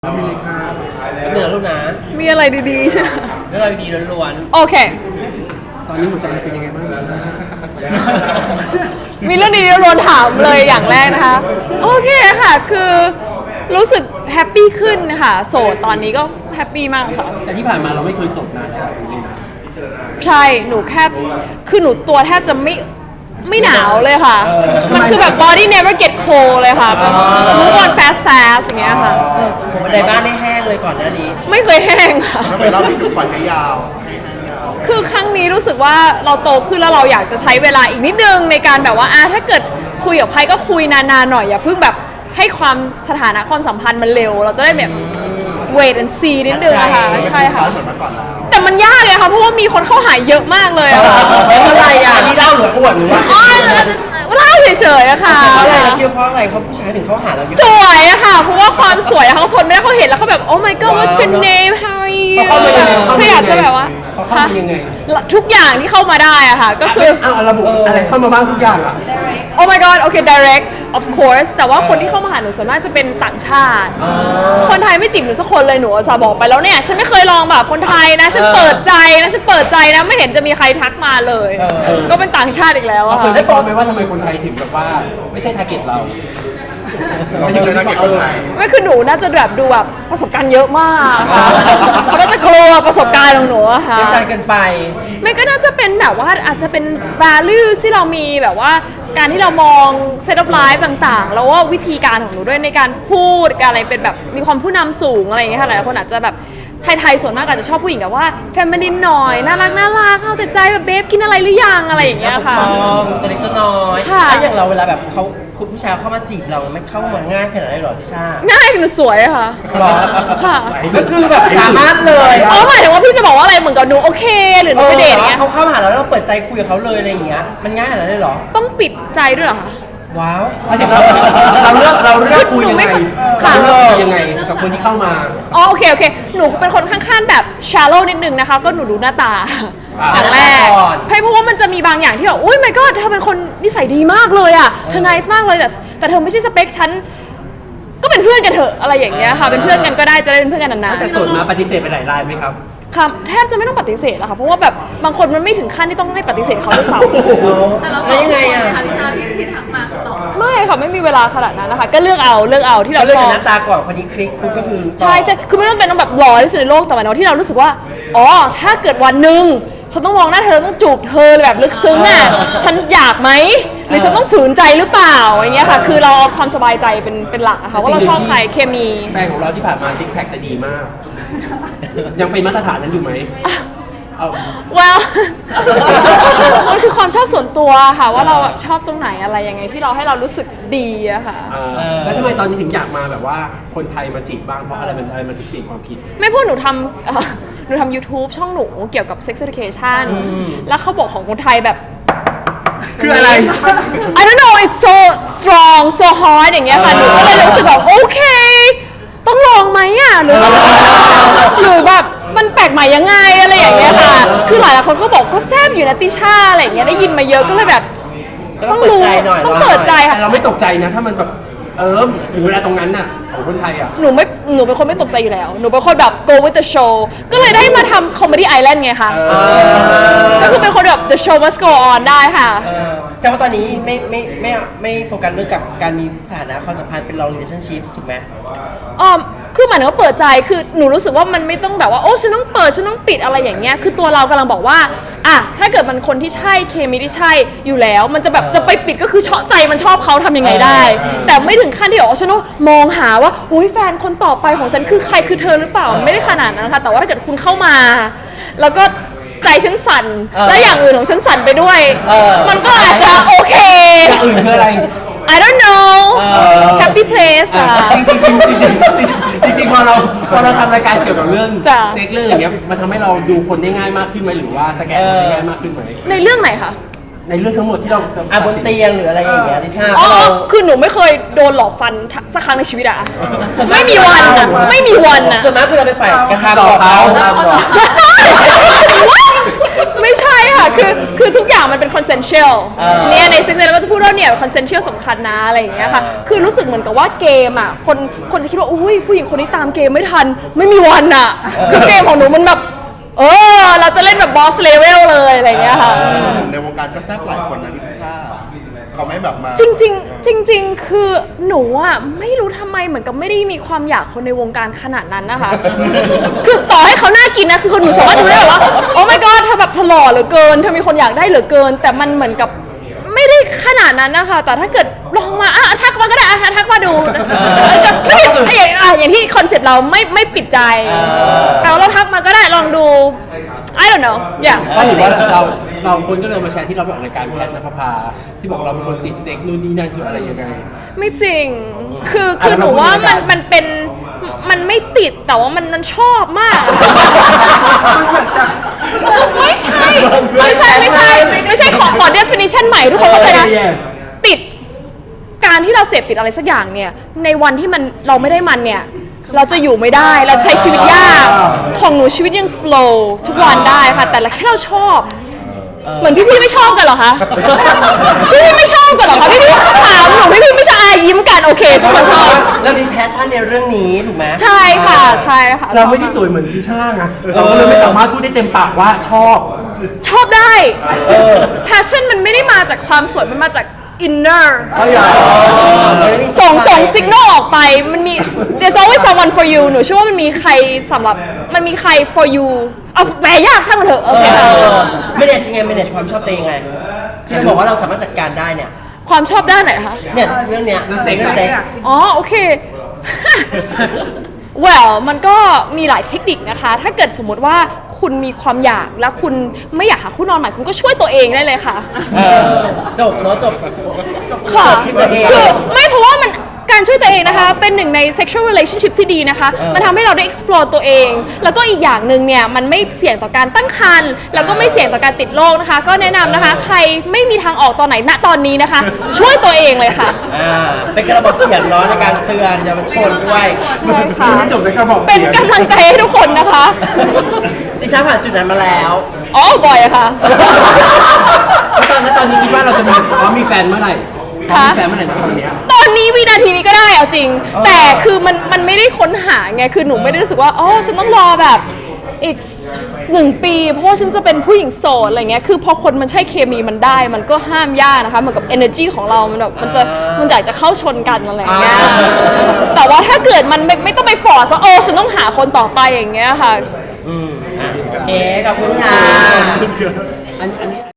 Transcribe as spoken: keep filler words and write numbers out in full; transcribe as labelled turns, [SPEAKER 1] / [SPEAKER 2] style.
[SPEAKER 1] มีเลยค่ะ
[SPEAKER 2] เหนือลูกนะ
[SPEAKER 3] มีอะไรดีๆใช่ไหม
[SPEAKER 2] เรื่องราวดีๆล้วน
[SPEAKER 3] โอเค
[SPEAKER 1] ตอนนี้หัวใจเป็นยังไงบ้าง
[SPEAKER 3] มีเรื่องดีๆล้วนๆถามเลยอย่างแรกนะคะ โอเคค่ะ คือรู้สึกแฮปปี้ขึ้นค่ะโสดตอนนี้ก็แฮปปี้มากค่ะ
[SPEAKER 1] แต่ที่ผ่านมาเราไม่เคยโสดนานขนาดนี้เลยนะ
[SPEAKER 3] ใช่หนูแค่คือหนูตัวแทบจะไม่ไม่หนาวเลยค่ะ มันคือแบบ body never get cold เลยค่ะเป็น move on fast fast อย่างเงี้ยค่ะอืม
[SPEAKER 2] ๆผมบันไดบ้านได้แห้งเลยก่อนหน้านี้
[SPEAKER 3] ไม่เคยแห้งค่ะ
[SPEAKER 4] ทำไมรอบนี้ถึงปล่อยให้ยาวให้แห้งยาว
[SPEAKER 3] คือครั้งนี้รู้สึกว่าเราโตขึ้นแล้วเราอยากจะใช้เวลาอีกนิดนึงในการแบบว่าอ่ะถ้าเกิดคุยกับใครก็คุยนานๆหน่อยอย่าเพิ่งแบบให้ความสถานะความสัมพันธ์มันเร็ว เราจะได้แบบ wait and see นิดนึงอะค่ะใช่ค่ะ
[SPEAKER 4] เหมือนเมื่อก่อนแล้ว
[SPEAKER 3] แต่มันยากเลยค่ะเพราะว่ามีคนเข้าหาเยอะมากเลยอะค่ะ
[SPEAKER 2] เพราะอะไรอ่ะ
[SPEAKER 1] นี่เล่าหรืออวดหรือว่า
[SPEAKER 3] อ๋อเล่าเฉยๆอะค่ะ
[SPEAKER 2] เพราะอะไรเราคิดว่าเพราะอะไรเขาผู้ชายถึงเขาหาเราเยอะ
[SPEAKER 3] สวยอะค่ะเพราะว่าความสวยอะเขาทนไม่ได้เขาเห็นแล้วเขาแบบ oh my god what's your name how are you
[SPEAKER 1] เขาเข้ามายังไง
[SPEAKER 3] ใช่อยากจะแบบว่า
[SPEAKER 1] เขาเข้ามายังไง
[SPEAKER 3] ทุกอย่างที่เข้ามาได้อะค่ะก็คือ
[SPEAKER 1] เอาระบุอะไรเข้ามาบ้างทุกอย่างอ่ะ
[SPEAKER 3] Oh my god โอเค direct of course แต่ว่าคนที่เข้ามาหาหนูส่วนมากจะเป็นต่างชาติ คนไทยไม่จีบหนูสักคนเลยหนูอุตสาห์บอกไปแล้วเนี่ย ฉันไม่เคยลองแบบคนไทยนะ ฉันเปิดใจนะ ฉันเปิดใจนะ ไม่เห็นจะมีใครทักมาเลย ก็เป็นต่างชาติอีกแล้วอะ
[SPEAKER 1] เคย
[SPEAKER 3] ค่ะ
[SPEAKER 1] ได้บอกไหมว่าทำไมคนไทยถึงแบบว่าไม่ใช่ทาร์เก็ตเรา
[SPEAKER 4] เราไม่ใช่นักเก็ตคนไทย
[SPEAKER 3] ไม่คือหนูน่าจะแบบดูแบบประสบการณ์เยอะมากค่ะเขาน่าจะกลัวประสบการณ์ของหนูอะค่ะ
[SPEAKER 2] เชี่ยวชาญเกินไป
[SPEAKER 3] ไม่ก็น่าจะเป็นแบบว่าอาจจะเป็น value ที่เรามีแบบว่าการที่เรามอง set of life ต่างๆ แล้วว่าวิธีการของหนูด้วยในการพูดการอะไรเป็นแบบมีความผู้นำสูงอะไรอย่างเงี้ยค่ะหลายคนอาจจะแบบไทยๆส่วนมากอาจจะชอบผู้หญิงแบบว่า feminine หน่อยน่ารักน่ารักเอาแต่ใจแบบเบฟกินอะไรหรือยังอะไรอย่างเงี้ยค่ะ
[SPEAKER 2] มองตัวเล็กตัวน้อย
[SPEAKER 3] ค่ะ
[SPEAKER 2] ถ้าอย่างเราเวลาแบบเขาคุณผู้ชายเข้ามาจีบเราไม่เข้ามาง่ายขนาดนั้นหรอพี่ชา
[SPEAKER 3] ง่ายหนูสวยอะค่ะ
[SPEAKER 2] หรอ
[SPEAKER 3] ค่ะ
[SPEAKER 2] ก็คือแบบสามารถเลย
[SPEAKER 3] อ๋อหมายถึงว่าพี่จะบอกว่าอะไรเหมือนกับหนูโอเคหรือหนูไปเดทอย่างเงี้ย
[SPEAKER 2] เขาเข้ามาหาเราแล้วเราเปิดใจคุยกับเขาเลยอะไรอย่างเงี้ยมันง่ายขนาดนั้นเลยเหรอ
[SPEAKER 3] ต้องปิดใจด้วยเหรอคะ
[SPEAKER 2] ว้าว
[SPEAKER 1] เราเลือกเราเลือกคุยยังไง
[SPEAKER 3] ค่ะ
[SPEAKER 1] เราเลือกคุยยังไงกับคนที่เข้ามา
[SPEAKER 3] อ๋อโอเคโอเคหนูเป็นคนข้างๆแบบ shallow นิดนึงนะคะก็หนูดูหน้าตา
[SPEAKER 1] อ่า
[SPEAKER 3] อย่างแรกเพราะว่ามันจะมีบางอย่างที่แบบอุ้ย my god เธอเป็นคนนิสัยดีมากเลยอ่ะเธอ nice มากเลยแต่แต่เธอไม่ใช่สเปคฉันก็เป็นเพื่อนกันเถอะอะไรอย่างเงี้ยค่ะเป็นเพื่อนกันก็ได้จะได้เป็นเพื่อนกันนาน
[SPEAKER 1] แต่โสดมาปฏิเสธไปหลายรายไหมครับ
[SPEAKER 3] ๆค่ะแทบจะไม่ต้องปฏิเสธแล้วค่ะเพราะว่าแบบบางคนมันไม่ถึงขั้นที่ต้องให้ปฏิเสธเขาด้วยซ้ำ
[SPEAKER 2] แล้วยังไงอ่ะ
[SPEAKER 3] ไม่ค่ะไม่มีเวลาขนาดนั้นนะคะก็เลือกเอาเลือกเอาที่เรา
[SPEAKER 2] เราเลือก
[SPEAKER 3] ชอ
[SPEAKER 2] จาก
[SPEAKER 3] บ
[SPEAKER 2] หน้าตาก่อนคนนี้คลิกปุ๊บก็คือ
[SPEAKER 3] ใช่ใช่คือไม่ต้องเป็นต้องแบบหล่อที่สุดในโลกแต่หมายถึงว่าที่เรารู้สึกว่าอ๋อถ้าเกิดวันหนึ่งฉันต้องมองหน้าเธอต้องจูบเธอแบบลึกซึ้งอ่ะฉันอยากไหมหรือฉันต้องฝืนใจหรือเปล่าอย่างเงี้ยค่ะคือเราเอาความสบายใจเป็นเป็นหลักอะค่ะว่าเราชอบใครเคมี
[SPEAKER 1] แฟนของเราที่ผ่านมาซิกแพคจะดีมาก ยังเป็นมาตรฐานนั้นอยู่ไหมเอา
[SPEAKER 3] well มันคือความชอบส่วนตัวค่ะว่าเราแบบชอบตรงไหนอะไรยังไงที่เราให้เรารู้สึกดีอะค่ะ
[SPEAKER 1] เออแล้วทำไมตอนนี้ถึงอยากมาแบบว่าคนไทยมาจีบบ้างเพราะอะไรมันอะไรมันถึงเปลี่ยนความคิด
[SPEAKER 3] ไม่พูดหนูทำเอ่อหนูทำ YouTube ช่องหนูเกี่ยวกับ sex education แล้วเขาบอกของคนไทยแบบ
[SPEAKER 1] คืออะไร
[SPEAKER 3] I don't know it's so strong so hard อย่างเงี้ยค่ะหนูก็เลยรู้สึกแบบโอเค ต้องลองไหมอ่ะหรือหรือแบบมันแปลกใหม่ยังไงอะไรอย่างเงี้ยค่ะ คือหลายๆคนเขาบอกก็แซบอยู่นะติช่าอะไรอย่างเงี้ยได้ยินมาเยอะก็เลยแบบ
[SPEAKER 2] ก็ต้องเปิดใจหน่อย
[SPEAKER 3] ต้องเปิดใจค่ะ
[SPEAKER 1] แต่เราไม่ตกใจนะถ้ามันแบบเออถึงเวลาตรงนั้นน่ะของคนไทยอ่ะ
[SPEAKER 3] หนูไม่หนูเป็นคนไม่ตกใจอยู่แล้ว หนูเป็นคนแบบ go with the show ก็เลยได้มาทำ comedy island ไงคะก็คือเป็นคนแบบ the show must go on ได้ค่ะ
[SPEAKER 2] เออแต่ว่าตอนนี้ไม่ไม่ไม่ไม่โฟกัสเรื่องกับการมีสถานะความสัมพันธ์เป็น long relationship ถูกไหม
[SPEAKER 3] อ๋อคือหมายถึงว่าเปิดใจ คือหนูรู้สึกว่ามันไม่ต้องแบบว่า โอ้ ฉันต้องเปิด ฉันต้องปิดอะไรอย่างเงี้ย คือตัวเรากำลังบอกว่า อ่ะ ถ้าเกิดมันคนที่ใช่ เคมีที่ใช่อยู่แล้ว มันจะแบบจะไปปิดก็คือชอบใจมันชอบเขาทำยังไงได้ แต่ไม่ถึงขั้นที่บอกว่าฉันต้องมองหาว่าโอ้ยแฟนคนต่อไปของฉันคือใครคือเธอหรือเปล่า ไม่ได้ขนาดนั้นนะคะ แต่ว่าถ้าเกิดคุณเข้ามา แล้วก็ใจฉันสั่น และอย่างอื่นของฉันสั่นไปด้วย มันก็อาจจะโอเค
[SPEAKER 1] อย่างอื่นคืออะไร
[SPEAKER 3] I don't know happy place อะ
[SPEAKER 1] จริงๆจริงๆจริงๆพอเราพอเราทำรายการเกี่ยวกับเรื่อง
[SPEAKER 3] จ้ะ
[SPEAKER 1] เซ็กเรื่องอย่างเงี้ยมันทำให้เราดูคนได้ง่ายมากขึ้นไหมหรือว่าสแกนคนได้ง่ายมากขึ้นไหม
[SPEAKER 3] ในเรื่องไหนคะ
[SPEAKER 1] ในเรื่องทั้งหมดที่เรา
[SPEAKER 2] อ่ะบนเตียงหรืออะไรอย่างเงี้ยติช่า
[SPEAKER 3] อ๋อ
[SPEAKER 2] เพราะเรา
[SPEAKER 3] คือหนูไม่เคยโดนหลอกฟันสักครั้งในชีวิตอะไม่มีวันอะไม่มีวันอะ
[SPEAKER 2] ส่วนมากคือเราไปฝ่ายกระทำต่อเขา
[SPEAKER 3] What ไม่ใช่ค่ะค่ะคือคือทุกอย่างมันเป็น consensual
[SPEAKER 2] เออ
[SPEAKER 3] เนี่ยในซิกเซนเราก็จะพูดว่าเนี่ย consensual สำคัญนะอะไรอย่างเงี้ยค่ะคือรู้สึกเหมือนกับว่าเกมอ่ะคนคนจะคิดว่าอุ้ยผู้หญิงคนนี้ตามเกมไม่ทันไม่มีวันอ่ะคือเกมของหนูมันแบบเออเราจะเล่นแบบ boss level เลยอะไรอย่างเงี้ยค่ะ
[SPEAKER 4] แต่หนุ่มในวงการก็แซ่บหลายคนนะพี่ติช่าเขาไม่แบบมา
[SPEAKER 3] จริงๆ จริง ๆ คือหนูอ่ะไม่รู้ทำไมเหมือนกับไม่ได้มีความอยากคนในวงการขนาดนั้นนะคะ คือต่อให้เขาน่ากินนะคือคนหนูสามารถดูได้ว่าโอ้ my god เธอแบบเธอหล่อเหลือเกินเธอมีคนอยากได้เหลือเกิน แต่มันเหมือนกับไม่ได้ขนาดนั้นนะคะแต่ถ้าเกิดลองมาอ่ะทักมาก็ได้อ่ะทักมาดูไม่ได้อย่างอ่ะอย่างที่คอนเซ็ปต์เราไม่ไม่ปิดใจเอาเราทักมาก็ได้ลองดู I don't know อย่าง
[SPEAKER 1] ก็ถือว่าเราเราคนก็เลยมาแชร์ที่เราไปออกรายการแพทย์นภพาที่บอกเราเป็นคนติดเซ็กนู่นนี่นั่นคืออะไรยังไง
[SPEAKER 3] ไม่จริง คือ
[SPEAKER 1] อ่ะ
[SPEAKER 3] คือหนูว่า
[SPEAKER 1] แล้วเราพูด
[SPEAKER 3] มัน
[SPEAKER 1] ยังไง
[SPEAKER 3] มันเป็น มันไม่ติด แต่ว่ามันมันชอบมากอะไม่ใช่ ไม่ใช่ ไม่ใช่ ไม่ใช่ ขอ ขอ definition ใหม่ทุกคนเข้าใจนะ ติด การที่เราเสพติดอะไรสักอย่างเนี่ย ในวันที่มันเราไม่ได้มันเนี่ย เราจะอยู่ไม่ได้ เราใช้ชีวิตยาก ของหนูชีวิตยัง flow ทุกวันได้ค่ะ แต่ละแค่เราชอบ เหมือนพี่ๆไม่ชอบกันเหรอคะ พี่ๆไม่ชอบกันเหรอคะพี่ๆถามหนูพี่ๆไม่ชอบอายิ้มกันโอเคทุกคนชอบ
[SPEAKER 2] เรามีแพชชั่นในเรื่องนี้ถูกไหม
[SPEAKER 3] ใช่ค่ะใช่ค่ะ
[SPEAKER 1] เราไม่ได้สวยเหมือนพี่ช่างอะเราก็เลยไม่สามารถพูดได้เต็มปากว่าชอบ
[SPEAKER 3] ชอบได้ passion มันไม่ได้มาจากความสวยมันมาจาก inner ส่งส่ง signal ออกไปมันมี there's always someone for you หนูเชื่อว่ามันมีใครสำหรับมันมีใคร for you เอาแปลยากช่างมันเถอะโอเคค่ะ
[SPEAKER 2] ไม่ได้ยังไงไม่ได้ความชอบตัวเองไงที่เราบอกว่าเราสามารถจัดการได้เนี่ย
[SPEAKER 3] ความชอบด้านไหนคะ
[SPEAKER 2] เนี่ยเรื่องเนี้ย
[SPEAKER 1] เรื่องเซ็ก
[SPEAKER 2] เซ็กซ์
[SPEAKER 3] อ๋อโอเค well มันก็มีหลายเทคนิคนะคะ ถ้าเกิดสมมติว่าคุณมีความอยากและคุณไม่อยากหาคู่นอนใหม่คุณก็ช่วยตัวเองได้เลยค่ะ
[SPEAKER 2] เออจบเนาะจบ
[SPEAKER 3] ค่ะ
[SPEAKER 2] จบที่ตัวเอง
[SPEAKER 3] คือไม่เพราะว่ามันการช่วยตัวเองนะคะ เป็นหนึ่งใน sexual relationship ที่ดีนะคะ
[SPEAKER 2] เออ
[SPEAKER 3] มันทำให้เราได้ explore ตัวเอง แล้วก็อีกอย่างหนึ่งเนี่ย มันไม่เสี่ยงต่อการตั้งครรภ์แล้วก็ไม่เสี่ยงต่อการติดโรคนะคะ ก็แนะนำนะคะ ใครไม่มีทางออกตอนไหนณตอนนี้นะคะ ช่วยตัวเองเลยค่ะ
[SPEAKER 2] อ่าเป็นกระบอกเสียงเนาะในการเตือนเยาวชนด้วย
[SPEAKER 3] ใช่ค่ะ
[SPEAKER 1] ไม่จบในกระบอก
[SPEAKER 3] เป็น
[SPEAKER 1] เสียง
[SPEAKER 3] กำลังใจให้ทุกคนนะคะ
[SPEAKER 2] ดิฉันผ่านจุดนั้นมาแล้ว
[SPEAKER 3] อ๋อบ่อยอะค่ะ
[SPEAKER 1] แล้วตอนแล้วตอนนี้คิดว่าเราจะมีพร้อมมีแฟนเมื่อไหร่พร้อมมีแฟนเมื่อไหร่นะตอนเนี้ย
[SPEAKER 3] ตอนนี้วินาทีนี้ก็ได้เอาจริง แต่คือมันมันไม่ได้ค้นหาไง คือหนูไม่ได้รู้สึกว่าอ๋อฉันต้องรอแบบอีกหนึ่งปี เพราะว่าฉันจะเป็นผู้หญิงโสดอะไรเงี้ย คือพอคนมันใช่เคมีมันได้ มันก็ห้ามยากนะคะ เหมือนกับ energy ของเรา มันแบบมันจะมันอยากจะเข้าชนกันอะไรเงี้ย แต่ว่าถ้าเกิดมันไม่ไม่ต้องไปฟอร์สว่าโอ้ฉันต้องหาคนต่อไปอย่างเงี้ยค่ะ
[SPEAKER 2] อืมอ่ะโอเคขอบคุณค่ะ
[SPEAKER 1] อันอัน